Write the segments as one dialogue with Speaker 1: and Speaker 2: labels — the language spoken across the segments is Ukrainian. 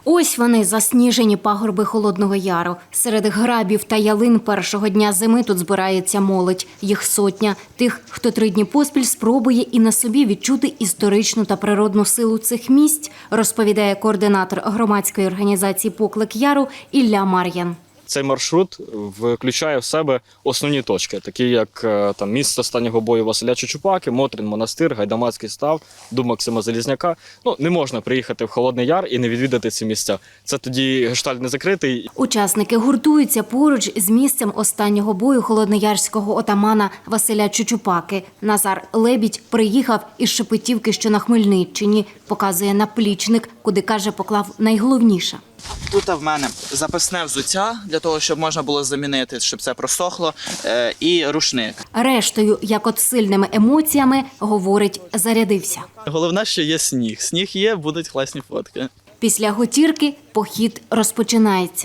Speaker 1: Ось вони, засніжені пагорби Холодного Яру. Серед грабів та ялин першого дня зими тут збирається молодь. Їх сотня. Тих, хто 3 дні поспіль спробує і на собі відчути історичну та природну силу цих місць, розповідає координатор громадської організації «Поклик Яру» Ілля Мар'ян.
Speaker 2: Цей маршрут включає в себе основні точки, такі як місце останнього бою Василя Чучупаки, Мотрин монастир, Гайдамацький став, Дуб Максима Залізняка. Не можна приїхати в Холодний Яр і не відвідати ці місця. Це тоді гештальт не закритий.
Speaker 1: Учасники гуртуються поруч з місцем останнього бою холодноярського отамана Василя Чучупаки. Назар Лебідь приїхав із Шепетівки, що на Хмельниччині. Показує наплічник, куди, каже, поклав найголовніше.
Speaker 3: Тут в мене запасне взуття, для того, щоб можна було замінити, щоб це просохло, і рушник.
Speaker 1: Рештою, як от сильними емоціями, говорить, зарядився.
Speaker 3: Головне, що є сніг. Сніг є, будуть класні фотки.
Speaker 1: Після готірки похід розпочинається.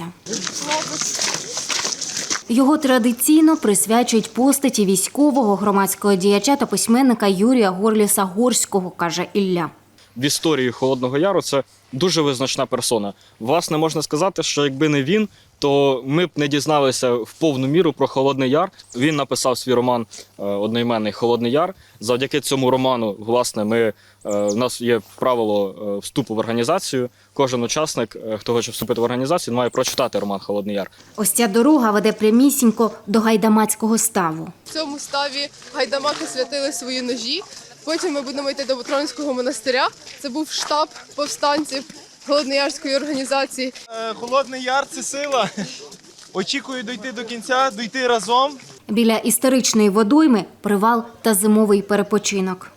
Speaker 1: Його традиційно присвячують постаті військового, громадського діяча та письменника Юрія Горліса-Горського, каже Ілля.
Speaker 2: В історії Холодного Яру це дуже визначна персона. Власне, можна сказати, що якби не він, то ми б не дізналися в повну міру про Холодний Яр. Він написав свій роман одноіменний «Холодний Яр». Завдяки цьому роману, власне, у нас є правило вступу в організацію. Кожен учасник, хто хоче вступити в організацію, має прочитати роман «Холодний Яр».
Speaker 1: Ось ця дорога веде прямісінько до Гайдамацького ставу.
Speaker 4: В цьому ставі гайдамаки святили свої ножі. Потім ми будемо йти до Ботронського монастиря. Це був штаб повстанців Холодноярської організації.
Speaker 5: Холодний Яр – це сила. Очікую дійти до кінця, дійти разом.
Speaker 1: Біля історичної водойми – привал та зимовий перепочинок.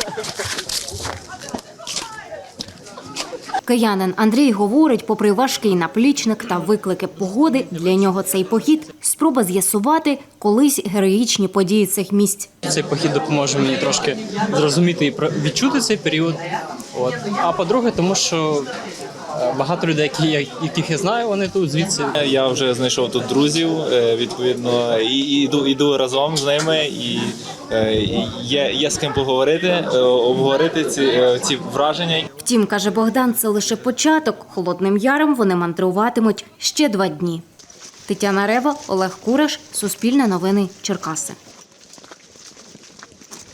Speaker 1: Киянин Андрій говорить, попри важкий наплічник та виклики погоди, для нього цей похід – спроба з'ясувати колись героїчні події цих місць.
Speaker 6: Цей похід допоможе мені трошки зрозуміти і відчути цей період. А по-друге, тому що багато людей, яких я знаю, вони тут звідси.
Speaker 5: Я вже знайшов тут друзів, відповідно, і йду разом з ними, і є з ким поговорити, обговорити ці враження.
Speaker 1: Втім, каже Богдан, це лише початок. Холодним Яром вони мандруватимуть ще 2 дні. Тетяна Рева, Олег Кураш, Суспільне новини, Черкаси.